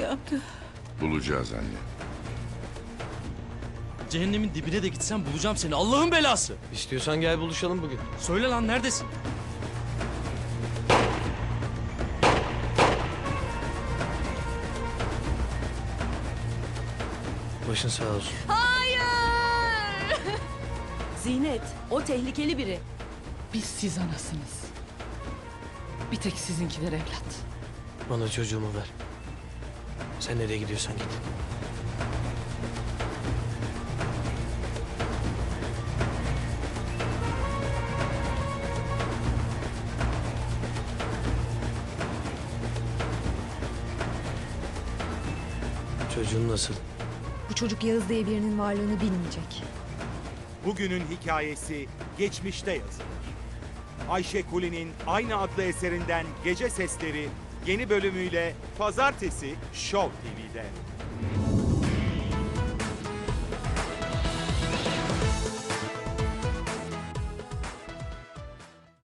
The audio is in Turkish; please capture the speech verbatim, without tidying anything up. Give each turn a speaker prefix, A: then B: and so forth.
A: bulacağım.
B: Bulacağız anne.
C: Cehennemin dibine de gitsem bulacağım seni. Allah'ın belası.
D: İstiyorsan gel buluşalım bugün.
C: Söyle lan, neredesin?
D: Başın sağ olsun.
A: Hayır!
E: Zinet, o tehlikeli biri.
A: Biz siz anasınız. Bir tek sizinkiler evlat.
D: Bana çocuğumu ver. Sen nereye gidiyorsan git. Çocuğun nasıl?
F: Bu çocuk Yağız diye birinin varlığını bilmeyecek.
G: Bugünün hikayesi geçmişte yazılır. Ayşe Kuli'nin aynı adlı eserinden Gece Sesleri yeni bölümüyle Pazartesi Show T V'de.